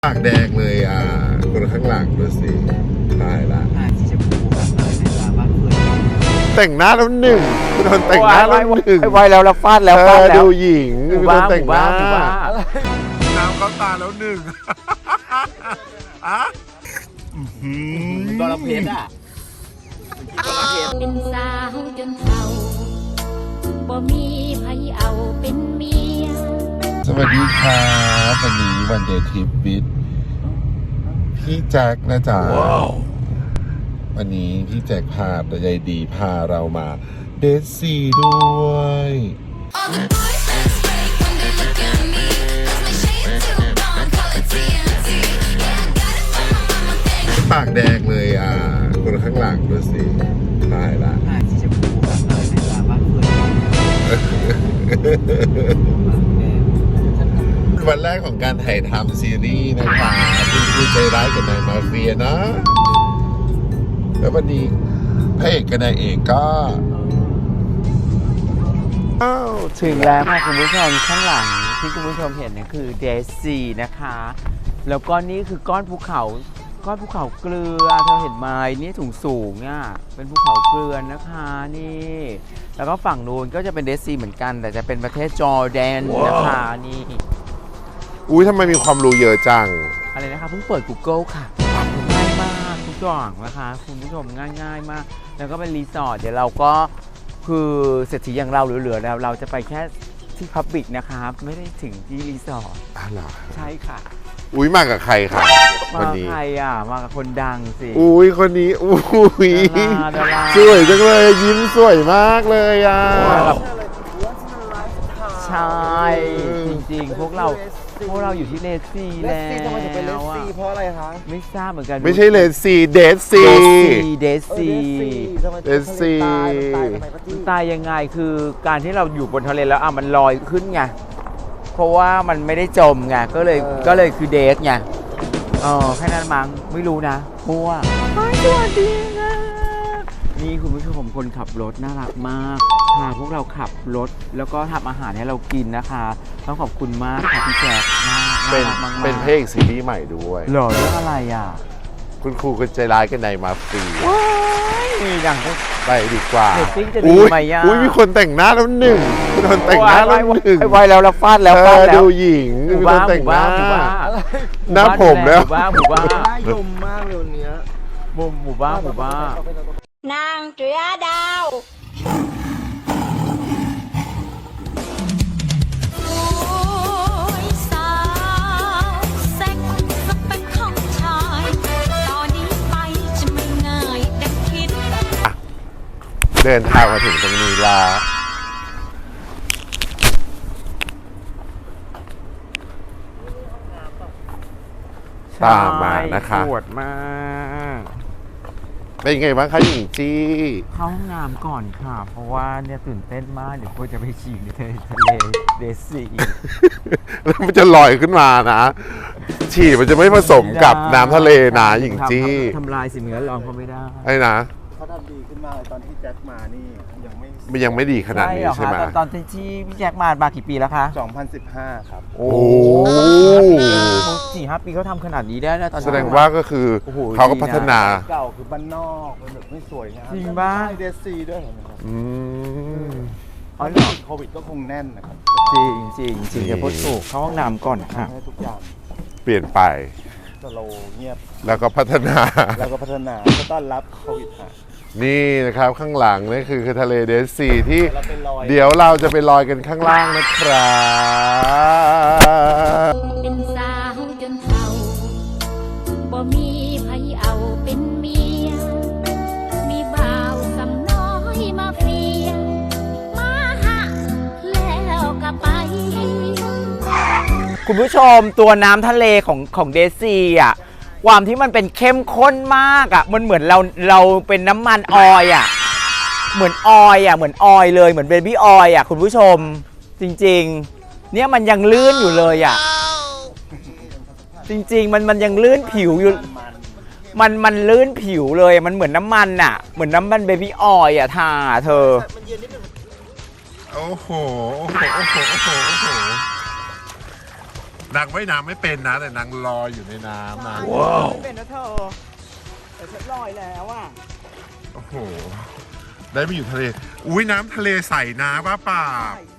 ปากแดงเลยคนข้างหลังดูสิตายละสีชมพูแบบในตาบ้านเพื่อนแต่งหน้าแล้วหนึ่งคุณคนแต่งหน้าแล้วหนึ่งไวแล้วเราฟาดแล้วดูหญิงคุณคนแต่งหน้าน้ำเข้าตาแล้วหนึ่งตอนเราเพชรเป็นสาวจนเฒ่าบ่มีไผเอาเป็นเมียสวัสดีครับวันนี้วันเดย์ทริปวิทพี่แจ็คนะจ๊ะวันนี้พี่แจ็คพาแต่ใจดีพาเรามาเดทซีด้วยปากแดงเลยคนข้างหลังดูสิตายละสีชมพูแบบในตาบ้านเพื่อนวันแรกของการถ่ายทำซีรีส์นะคะคุณใจร้ายกับนายมาเฟียนะแล้ววันนี้พระเอกกับนายเอกก็ถึงแล้วค่ะคุณผู้ชมข้างหลังที่คุณผู้ชมเห็นเนี่ยคือเดซีนะคะแล้วก็นี่คือก้อนภูเขาเกลือเธอเห็นไหมนี่สูงอ่ะเป็นภูเขาเกลือนะคะนี่แล้วก็ฝั่งนู้นก็จะเป็นเดซีเหมือนกันแต่จะเป็นประเทศจอร์แดนนะคะนี่อุ้ยทำไมมีความรู้เยอะจังอะไรนะคะเพิ่งเปิด Google ค่ะง่ายมากทุกอย่างนะคะคุณผู้ชมง่ายมากแล้วก็เป็นรีสอร์ทเดี๋ยวเราก็คือเศรษฐีอย่างเราเหลือๆแล้วเราจะไปแค่ที่พับบิกนะคะไม่ได้ถึงที่รีสอร์ทเหรอใช่ค่ะอุ้ยมากับใครคะมาใครมากับคนดังสิอุ้ยคนนี้อุ้ยดาราสวยจังเลยยิ้มสวยมากเลยใช่จริงๆพวกเราอยู่ที่เลสซีแล้วทำไมถึงเป็นเลสซีเพราะอะไรคะไม่ทราบเหมือนกันไม่ใช่เลสซีเดสซีตายยังไงคือการที่เราอยู่บนทะเลแล้วมันลอยขึ้นไงเพราะว่ามันไม่ได้จมไงก็เลยคือเดทไงแค่นั้นมั้งไม่รู้นะมั่วสวัสดีนะนี่คุณผู้ชมคนขับรถน่ารักมากพาพวกเราขับรถแล้วก็ทำอาหารให้เรากินนะคะต้องขอบคุณมากค่ะพี่แจ๊คเป็นเพลงซีรีส์ใหม่ด้วยหรอเรื่องอะไรคุณครูก็ใจร้ายกันในมาฟรีมีอย่างไปดีกว่าอุ้ยมีคนแต่งหน้าแล้วหนึ่งคุณคนแต่งหน้าแล้วหนึ่งไวแล้วเราฟาดแล้วดูหญิงคุณคนแต่งหน้าหน้าผมแล้วหมู่บ้านน่ายมมากเลยวันนี้หมู่บ้านนางเจือดาวเดินทางมาถึงตรงนี้แล้วตามมานะคะปวดมากเป็นไงบ้างคะหญิงจี้เข้าห้องน้ำก่อนค่ะเพราะว่าเนี่ยตื่นเต้นมากเดี๋ยวควรจะไปฉี่ในทะเลเดซีแล้วมันจะลอยขึ้นมานะฉี่มันจะไม่ผสมกับน้ำทะเลนะหญิงจี้ทำลายสิ่งแวดล้อมเขาไม่ได้ไอ้นะเขาทำดีขึ้นมากเลยตอนที่แจ็คมานี่ยังไม่ดีขนาดนี้ใช่ไหมตอนที่พี่แจ็คมากี่ปีแล้วคะ 2015ครับโอ้ 4-5 ปีเขาทำขนาดนี้ได้นะตอนแสดงว่าก็คือเขาก็พัฒนาเก่าคือบ้านนอกมันแบบไม่สวยงามจริงบ้างเดซีด้วยครับโควิดก็คงแน่นนะครับจริงเดี๋ยวพูดถูกเข้าห้องน้ำก่อนค่ะทุกอย่างเปลี่ยนไปสโลเงียบแล้วก็พัฒนาก็ต้อนรับโควิดนี่นะครับข้างหลังนี่คือทะเลเดซีที่เดี๋ยวเราจะไปลอยกันข้างล่างนะครับเป็นสาวจนเฒ่าบ่มีไผเอาเป็นเมียมีบ่าวสำน้อยมาเฟียมาหะแล้วก็ไปคุณผู้ชมตัวน้ำทะเลของเดซีความที่มันเป็นเข้มข้นมากมันเหมือนเราเป็นน้ำมันออยเหมือนออยเลยเหมือนเบบี้ออยคุณผู้ชมจริงๆเนี่ยมันยังลื่นอยู่เลยจริงๆมันยังลื่นผิวอยู่มันลื่นผิวเลยมันเหมือนน้ำมันเหมือนน้ำมันเบบี้ออยทาเธอโอ้โหนางว่ายน้ำไม่เป็นนะ แต่นางลอยอยู่ในน้ำนะไม่เป็นนะเธอแต่ฉันลอยแล้วอ่ะโอ้โห ได้มาอยู่ทะเล อุ้ยน้ำทะเลใสนะป้าป่า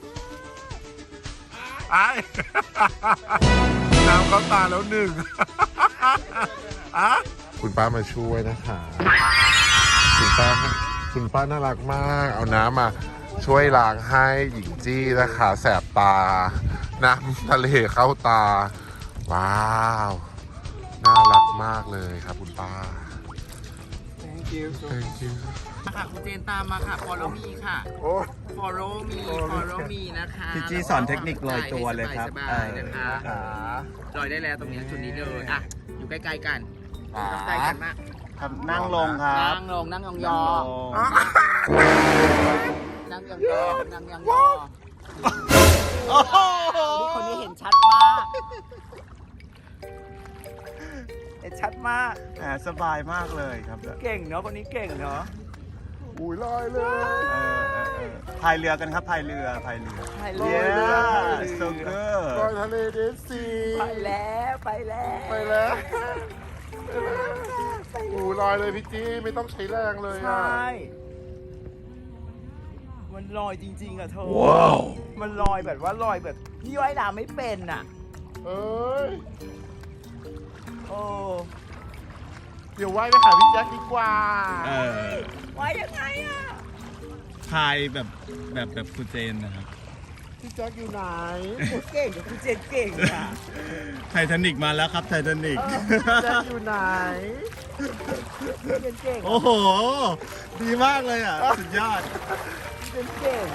ไอ้ น้ำเข้าตาแล้วหนึ่ง อะคุณป้ามาช่วยนะคะ คุณป้าน่ารักมาก เอาน้ำมาช่วยล้างให้หญิงจี้นะคะแสบตา น้ำทะเลเข้าตา ว้าว น่ารักมากเลยครับคุณป้า Thank you Thank you ค่ะคุณเจนตามมาค่ะ follow me ค่ะโอ้ follow me นะคะพี่จี้สอนเทคนิคลอยตัวเลยครับสบายๆนะคะลอยได้แล้วตรงนี้จุดนี้เลยอ่ะอยู่ใกล้ๆกันใกล้กันมากครับนั่งลงครับนั่งลงนั่งยองยนั่องลงนั่งยองยองนั่งยองยองโอ้โหคนนี้เห็นชัดมากเห็นชัดมากแหมสบายมากเลยครับเก่งเนาะคนนี้เก่งเนาะอุ้ยลอยเลยพายเรือกันครับพายเรือไปเลเย้ย so ลอย good ทะเลเดซีไปแล้วไปแล้วไปแล้วอู้ลอยเลยพี่จี้ไม่ต้องใช้แรงเลยใชอ่ะ่มันลอยจริงๆอ่ะเธอว้าวมันลอยแบบว่าลอยแบบพี่ว่ายน้ำไม่เป็นอ่ะเอ้ยโอ้เดี๋ยวว่ายไปหาพี่แจ็คดีกว่าว่ายยังไงอ่ะพายแบบคุณเจนนะครับพี่แจ็คอยู่ไหนเก่งกับคุณเจนเก่งอ่ะไททานิกมาแล้วครับไททานิกพี่แจ็คอยู่ไหนเจนเก่งโอ้โห ดีมากเลยอ่ะ สุดยอดเจนเก่ง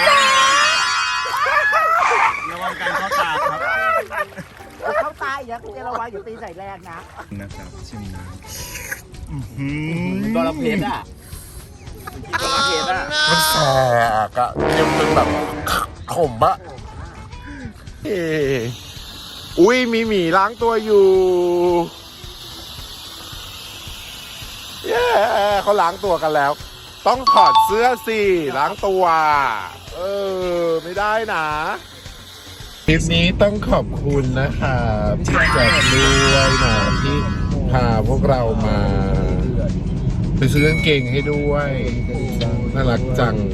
ระวังการเข้าตาครับเข้าตายนะคุณเจนระวังอยู่ตีใส่แรงนะนะครับชิมน้บอลเพชรอ่ะบอลเพชรอ่ะมันแสกอะเค็มเป็นแบบขมอะเอ้ยอุ้ยมีหมีล้างตัวอยู่ เย้เขาล้างตัวกันแล้ว ต้องถอดเสื้อสิล้างตัว ไม่ได้นะคลิปนี้ต้องขอบคุณนะคะพี่แจ็คด้วยนะที่พาพวกเรามาไปซื้อกางเกงให้ด้วยน่ารักจัง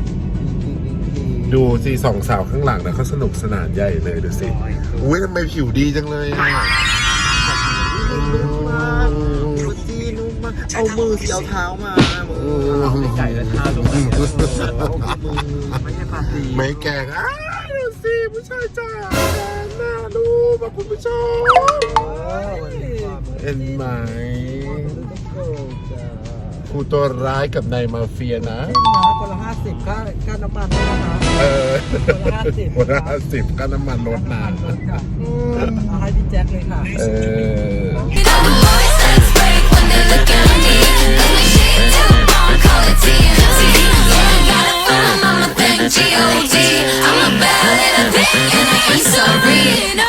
ดูสิสองสาวข้างหลังนะเขาสนุกสนานใหญ่เลยดูสิอุ้ยทำไมผิวดีจังเลยอ่ะเอามือเอาเท้ามาไก่และเท้าลงมาไม่ใช่ปาตีไม่แกล้งอ้าวดูสิผู้ชายจ้าน่าดูมาคุณผู้ชมเห็นไหมครูตัวร้ายกับนายมาเฟียนะคนละ50ค่าน้ำมันด้วยนะคะคนละ50ก็น้ำมันลดนะเอาให้พี่แจ็คเลยค่ะ You know the boys that's great when they look at me. Let me shake down on call it TNT. Yeah, I got it from Mama Thing G.O.D. I'm a bad little thing and I ain't sorry.